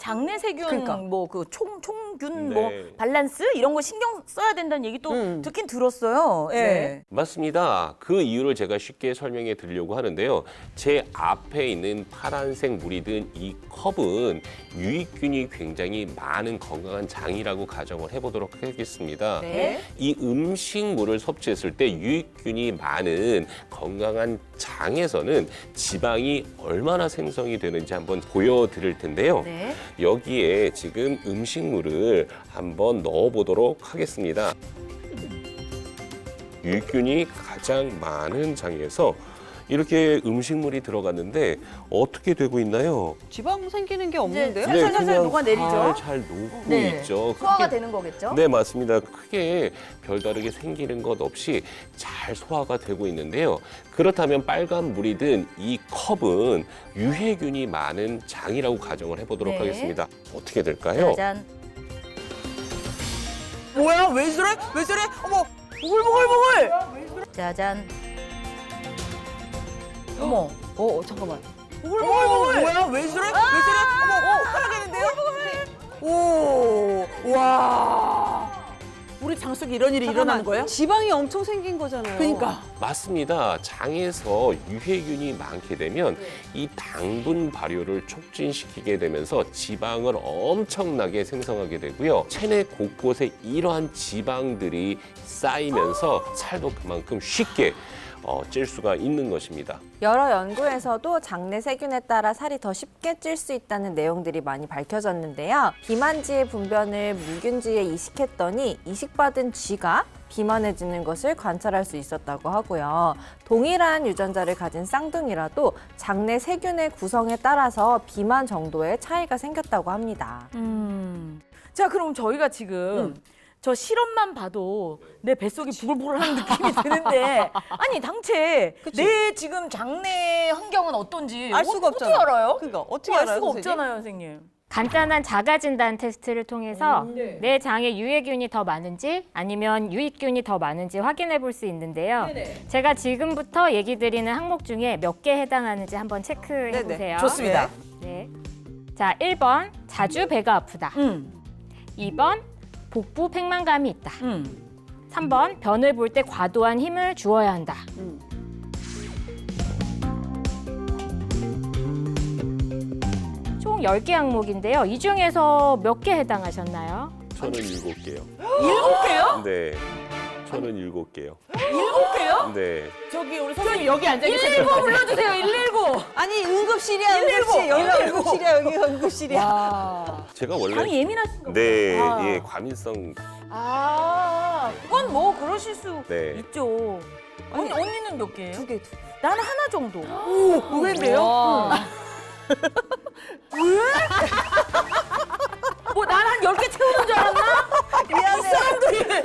장내 세균 그러니까. 뭐 그 총균 네. 뭐 밸런스 이런 거 신경 써야 된다는 얘기 또 듣긴 들었어요. 예. 네. 맞습니다. 그 이유를 제가 쉽게 설명해 드리려고 하는데요. 제 앞에 있는 파란색 물이 든 이 컵은 유익균이 굉장히 많은 건강한 장이라고 가정을 해보도록 하겠습니다. 네. 이 음식물을 섭취했을 때 유익균이 많은 건강한 장에서는 지방이 얼마나 생성이 되는지 한번 보여드릴 텐데요. 네. 여기에 지금 음식물을 한번 넣어보도록 하겠습니다. 유익균이 가장 많은 장에서 이렇게 음식물이 들어갔는데 어떻게 되고 있나요? 지방 생기는 게 이제 없는데요? 살살살살 녹아내리죠. 잘 녹고 네. 있죠. 소화가 크게- 되는 거겠죠? 네, 맞습니다. 크게 별다르게 생기는 것 없이 잘 소화가 되고 있는데요. 그렇다면 빨간 물이 든 이 컵은 유해균이 많은 장이라고 가정을 해보도록 네. 하겠습니다. 어떻게 될까요? 짜잔. 뭐야? 왜 저래? 왜 저래? 어머, 보글보글보글! 짜잔. 어머. 잠깐만. 보글보글보글. 뭐야? 왜 저래? 왜 저래? 어머, 헷갈리겠는데요? 오, 와. 우리 장 속에 이런 일이 일어나는 거예요? 지방이 엄청 생긴 거잖아요. 그러니까. 맞습니다. 장에서 유해균이 많게 되면 이 당분 발효를 촉진시키게 되면서 지방을 엄청나게 생성하게 되고요. 체내 곳곳에 이러한 지방들이 쌓이면서 살도 그만큼 쉽게 찔 수가 있는 것입니다. 여러 연구에서도 장내 세균에 따라 살이 더 쉽게 찔 수 있다는 내용들이 많이 밝혀졌는데요. 비만지의 분변을 물균지에 이식했더니 이식받은 쥐가 비만해지는 것을 관찰할 수 있었다고 하고요. 동일한 유전자를 가진 쌍둥이라도 장내 세균의 구성에 따라서 비만 정도의 차이가 생겼다고 합니다. 자, 그럼 저희가 지금 저 실험만 봐도 내 뱃속이 부글부글하는 느낌이 드는데 아니 당최 내 지금 장내 환경은 어떤지 알 수가 어떻게 없잖아. 알아요? 그러니까 어떻게 알 알아요, 수가 선생님? 없잖아요, 선생님. 간단한 자가진단 테스트를 통해서 내 장에 유해균이 더 많은지 아니면 유익균이 더 많은지 확인해 볼 수 있는데요. 제가 지금부터 얘기 드리는 항목 중에 몇 개 해당하는지 한번 체크해 보세요. 좋습니다. 네. 자, 1번 자주 배가 아프다. 2번 복부 팽만감이 있다. 3번 변을 볼 때 과도한 힘을 주어야 한다. 총 10개 항목인데요. 이 중에서 몇 개 해당하셨나요? 저는 7개요. 7개요? 네. 저는 7개요. 7개요? 네. 저기 우리 선생님 여기 앉아 계세요. 119 불러주세요, 119. 아니 응급실이야 응급실. 여기가 응급실이야 여기가 응급실이야. 제가 원래 많이 예민하신 거 네, 아. 예, 과민성 그건 뭐 그러실 수 네. 있죠. 언니는 몇 개예요? 2개. 나는 하나 정도. 의외인데요? 뭐 난 한 10개 채우는 줄 알았나? 이 사람들이.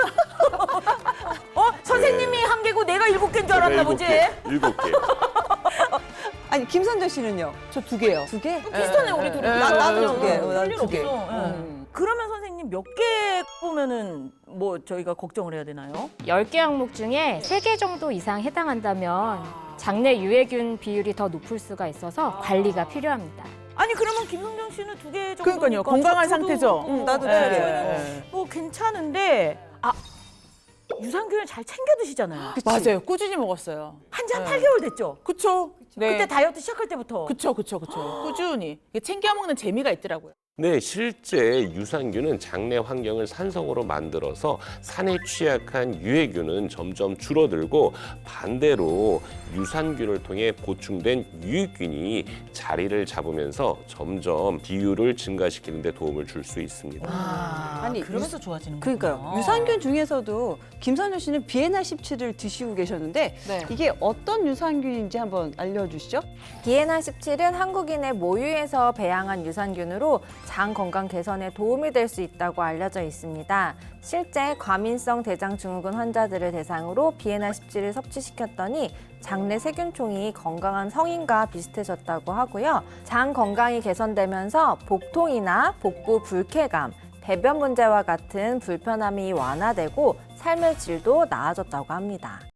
선생님이 네. 한 개고 내가 7개인 줄 알았나 보지? 7개. 아니 김선재 씨는요? 저 2개요. 2개? 비슷하네, 우리 둘이. 나도 두 개. 별 나도 일 두 개. 없어. 예. 그러면 선생님 몇 개 보면은 뭐 저희가 걱정을 해야 되나요? 10개 항목 중에 3개 정도 이상 해당한다면 장내 유해균 비율이 더 높을 수가 있어서 관리가 필요합니다. 아니 그러면 김성정 씨는 2개 정도. 그러니까요. 건강한 상태죠? 나도 네. 2개. 네. 뭐 괜찮은데 유산균을 잘 챙겨 드시잖아요. 맞아요. 꾸준히 먹었어요. 한지 한 8개월 됐죠? 그쵸? 네. 그때 다이어트 시작할 때부터. 그쵸. 꾸준히. 이게 챙겨 먹는 재미가 있더라고요. 네, 실제 유산균은 장내 환경을 산성으로 만들어서 산에 취약한 유해균은 점점 줄어들고 반대로 유산균을 통해 보충된 유익균이 자리를 잡으면서 점점 비율을 증가시키는 데 도움을 줄 수 있습니다. 아니, 그러면서 좋아지는 거예요. 그러니까요. 유산균 중에서도 김선재 씨는 비에나 17을 드시고 계셨는데 네. 이게 어떤 유산균인지 한번 알려주시죠. 비에나 17은 한국인의 모유에서 배양한 유산균으로 장 건강 개선에 도움이 될 수 있다고 알려져 있습니다. 실제 과민성 대장증후군 환자들을 대상으로 비에나 17을 섭취시켰더니 장내 세균총이 건강한 성인과 비슷해졌다고 하고요. 장 건강이 개선되면서 복통이나 복부 불쾌감, 배변 문제와 같은 불편함이 완화되고 삶의 질도 나아졌다고 합니다.